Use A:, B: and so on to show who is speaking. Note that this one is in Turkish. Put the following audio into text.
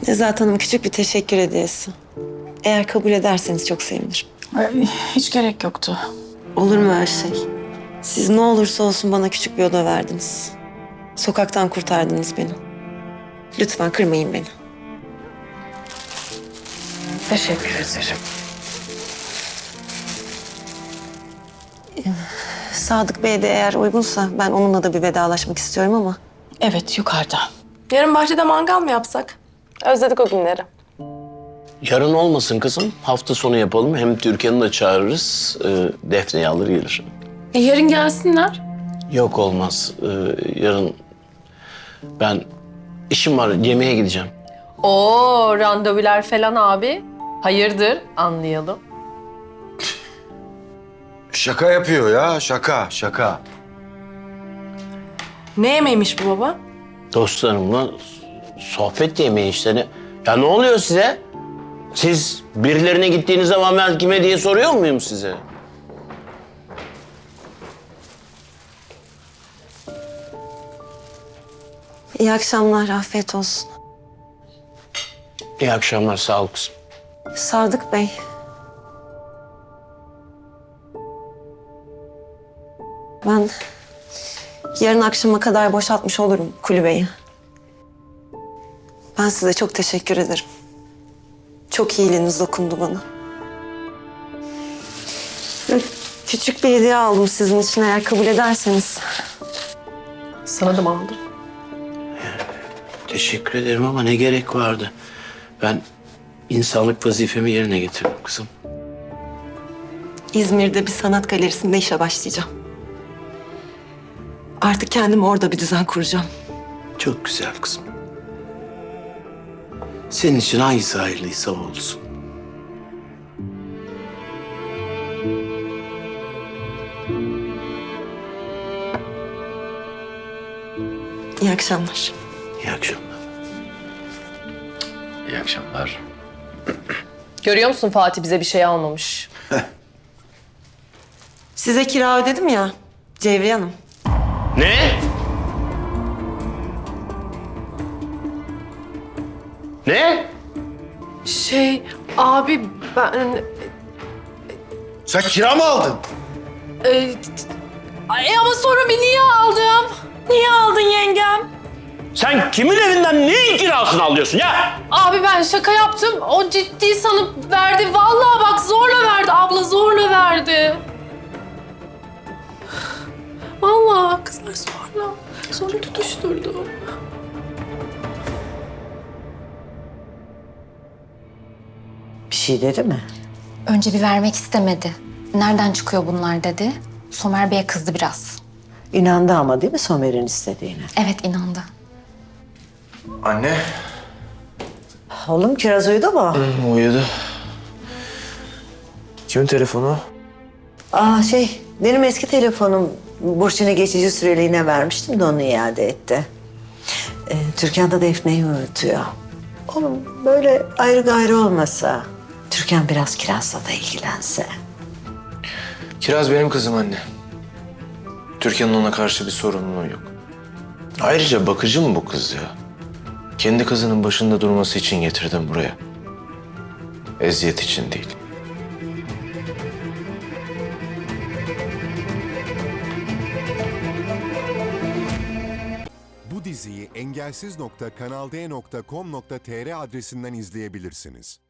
A: Nezahat Hanım küçük bir teşekkür hediyesi. Eğer kabul ederseniz çok sevinirim.
B: Hiç gerek yoktu.
A: Olur mu öyle şey? Siz ne olursa olsun bana küçük bir oda verdiniz. Sokaktan kurtardınız beni. Lütfen kırmayın beni.
B: Teşekkür ederim.
A: Sadık Bey de eğer uygunsa ben onunla da bir vedalaşmak istiyorum ama...
B: Evet, yukarıda.
C: Yarın bahçede mangal mı yapsak? Özledik o günleri.
D: Yarın olmasın kızım. Hafta sonu yapalım. Hem Türkan'ı da çağırırız. Defne'yi alır gelir.
C: Yarın gelsinler.
D: Yok olmaz. Yarın ben işim var. Yemeğe gideceğim.
E: Oo, randevular falan abi. Hayırdır, anlayalım.
F: Şaka yapıyor ya, şaka.
C: Ne yemeğiymiş bu baba?
D: Dostlarımla sohbet yemeği işte. Ya ne oluyor size? Siz birilerine gittiğiniz zaman ben kime diye soruyor muyum size?
A: İyi akşamlar, afiyet olsun.
D: İyi akşamlar, sağ ol kızım.
A: Sadık Bey. Ben yarın akşama kadar boşaltmış olurum kulübeyi. Ben size çok teşekkür ederim. Çok iyiliğiniz dokundu bana. Böyle küçük bir hediye aldım sizin için eğer kabul ederseniz.
E: Sana da mı aldın?
D: Teşekkür ederim ama ne gerek vardı? Ben insanlık vazifemi yerine getirdim kızım.
A: İzmir'de bir sanat galerisinde işe başlayacağım. Artık kendime orada bir düzen kuracağım.
D: Çok güzel kızım. Senin için hangisi hayırlıysa o olsun.
A: İyi akşamlar.
D: İyi akşamlar.
F: İyi akşamlar.
E: Görüyor musun Fatih bize bir şey almamış.
A: Size kira ödedim ya Cevriye Hanım.
D: Ne? Ne?
C: Abi ben...
F: Sen kira mı aldın?
C: Ama sonra bir niye aldım? Niye aldın yengem?
D: Sen kimin evinden neyin kirasını alıyorsun ya?
C: Abi ben şaka yaptım. O ciddi sanıp verdi. Vallahi bak zorla verdi. Abla zorla verdi. Vallahi kızlar zorla. Sonra tutuşturdu.
G: Bir şey dedi mi?
H: Önce bir vermek istemedi. Nereden çıkıyor bunlar dedi. Somer Bey'e kızdı biraz.
G: İnandı ama değil mi Somer'in istediğine?
H: Evet inandı.
F: Anne.
G: Oğlum kiraz uyudu mu?
I: Uyudu. Kimin telefonu?
G: Benim eski telefonum Burçin'e geçici süreliğine vermiştim de onu iade etti. Türkan da Defne'yi uyutuyor. Oğlum böyle ayrı gayrı olmasa, Türkan biraz kirazla da ilgilense.
I: Kiraz benim kızım anne. Türkan'ın ona karşı bir sorumluluğu yok. Ayrıca bakıcı mı bu kız ya? Kendi kızının başında durması için getirdim buraya. Eziyet için değil.
J: Bu diziyi engelsiz.kanalde.com.tr adresinden izleyebilirsiniz.